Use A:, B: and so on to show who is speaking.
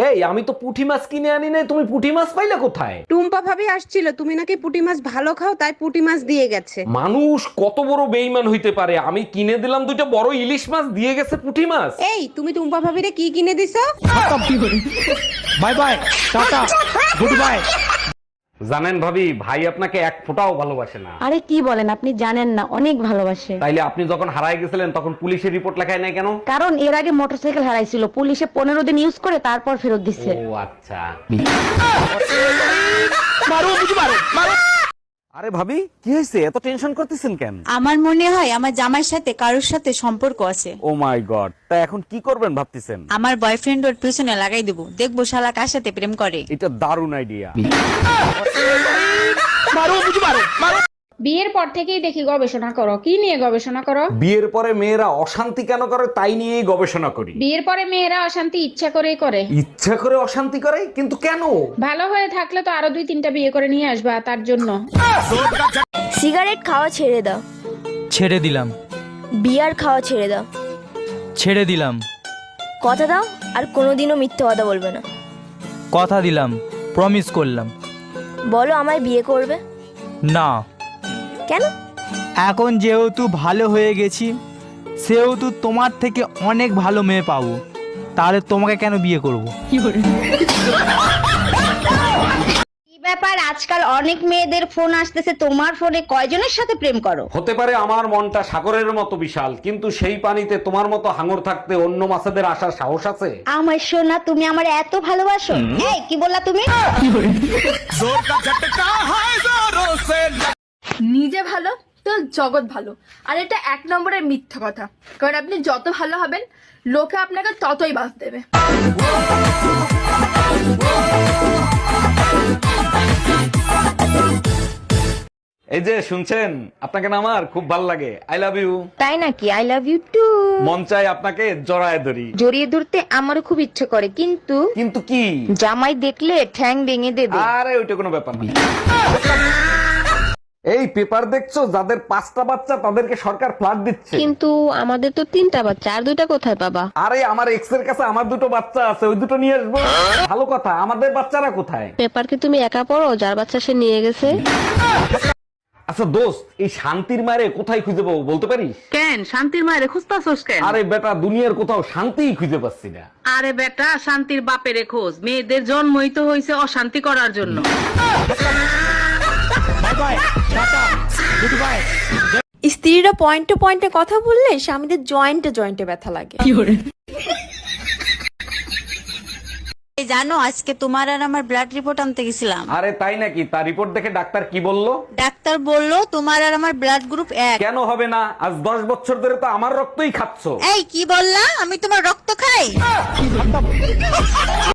A: এই আমি তো পুঁটি মাছ কিনে আনি নাই, তুমি পুঁটি মাছ পাইলে কোথায়?
B: টুম্পা ভাবি আসছিল, তুমি নাকি পুঁটি মাছ ভালো খাও, তাই পুঁটি মাছ দিয়ে গেছে।
A: মানুষ কত বড় বেইমান হইতে পারে, আমি কিনে দিলাম দুইটা বড় ইলিশ মাছ, দিয়ে গেছে পুঁটি মাছ।
B: এই তুমি টুম্পা ভাবিরে কি কিনে দিছো?
A: Bye bye, tata, good bye. জানেন ভাবি, ভাই আপনাকে এক ফোঁটাও ভালোবাসে না।
C: আরে কি বলেন, আপনি জানেন না, অনেক ভালোবাসে।
A: তাইলে আপনি যখন হারায় গেছিলেন তখন পুলিশের রিপোর্ট লেখায় নাই কেন?
C: কারণ এর আগে মোটরসাইকেল হারাইছিল, পুলিশে 15 দিন ইউজ করে তারপর ফেরত দিচ্ছে।
A: ও আচ্ছা। আরে ভাবি, কি হয়েছে, এত টেনশন করতেছেন কেন?
D: আমার মনে হয় আমার জামাইয়ের সাথে কারোর সাথে সম্পর্ক আছে।
A: ও মাই গড, তা এখন কি করবেন ভাবতেছেন?
D: আমার বয়ফ্রেন্ড ওর পিছনে লাগাই দেবো, দেখবো শালা কার সাথে প্রেম করে।
A: এটা দারুণ আইডিয়া।
E: বিয়ের পর থেকেই দেখি গবেষণা করো। কি নিয়ে গবেষণা করো?
A: বিয়ের পরে মেয়েরা অশান্তি কেন করে তাই নিয়েই গবেষণা করি।
E: বিয়ের পরে মেয়েরা অশান্তি ইচ্ছা করেই করে।
A: ইচ্ছা করে অশান্তি করে, কিন্তু কেন?
E: ভালো হয়ে থাকলে তো আরো 2-3টা বিয়ে করে নিয়ে আসবা, তার জন্য।
F: সিগারেট খাওয়া ছেড়ে দাও।
G: ছেড়ে দিলাম।
F: বিয়ার খাওয়া ছেড়ে দাও।
G: ছেড়ে দিলাম।
F: কথা দাও আর কোনোদিনও মিথ্যে কথা বলবে না।
G: কথা দিলাম, প্রমিস করলাম।
F: বলো আমায় বিয়ে করবে?
G: না।
F: কেন?
G: এখন যেহেতু ভালো হয়ে গেছি, সেহেতু তোমার থেকে অনেক ভালো মেয়ে পাবো, তাহলে তোমাকে কেন বিয়ে করব?
C: কি ব্যাপার, আজকাল অনেক মেয়েদের ফোন আসতেছে, তোমার ফোনে কয়জনের সাথে প্রেম করো?
A: হতে পারে আমার মনটা সাগরের মতো বিশাল, কিন্তু সেই পানিতে তোমার মতো হাঙর থাকতে অন্য মাছেদের আসার সাহস আছে?
C: আমার সোনা, তুমি আমার এত ভালোবাসো? এই কি বললা তুমি?
H: নিজে ভালো তো জগৎ ভালো, আর এটা 1 নম্বরের মিথ্যা কথা। কারণ আপনি যত ভালো হবেন, লোকে আপনাকে ততই বাস দেবে।
A: এই যে শুনছেন, আপনাকে না আমার খুব ভালো লাগে। I love you.
C: তাই নাকি? I love you too.
A: মন চাই আপনাকে জড়ায় ধরি।
C: জড়িয়ে ধরতে আমারও খুব ইচ্ছে করে, কিন্তু
A: কিন্তু কি?
C: জামাই দেখলে ঠ্যাং ভেঙে দেবে।
A: আরে ওইটা কোনো ব্যাপার না। এই পেপার দেখছো, যাদের 5টা বাচ্চা তাদেরকে সরকার ফ্ল্যাট দিচ্ছে।
C: কিন্তু আমাদের তো 3টা বাচ্চা, আর 2টা কোথায় পাবা?
A: আরে আমার এক্স এর কাছে আমার 2টো বাচ্চা আছে, ওই 2টো নিয়ে আসবো। ভালো কথা, আমাদের বাচ্চারা কোথায়?
C: পেপার কি তুমি একা পড়ো? যার বাচ্চা সে নিয়ে গেছে।
A: আচ্ছা দোস্ত, এই শান্তির মারে কোথায় খুঁজে পাবো বলতে পারিস?
B: কেন শান্তির মায়ের খুঁজতাছস কেন?
A: আরে বেটা, দুনিয়ার কোথাও শান্তিই খুঁজে পাচ্ছি না।
B: আরে বেটা, শান্তির বাপেরে খোঁজ। মেয়েদের জন্মই তো হয়েছে অশান্তি করার জন্য।
D: স্ত্রীরা পয়েন্টে পয়েন্টে কথা বললে স্বামীদের জয়েন্টে জয়েন্টে ব্যথা লাগে। জানো, আজকে তোমার আর আমার ব্লাড রিপোর্ট আনতে গেছিলাম।
A: আরে তাই নাকি? তার রিপোর্ট দেখে ডাক্তার কি বললো?
D: ডাক্তার বলল তোমার আর আমার ব্লাড গ্রুপ 1।
A: কেন হবে না? আজ 10 বছর ধরে তো আমার রক্তই খাচ্ছো।
D: এই কি বললা? আমি তোমার রক্ত খাই?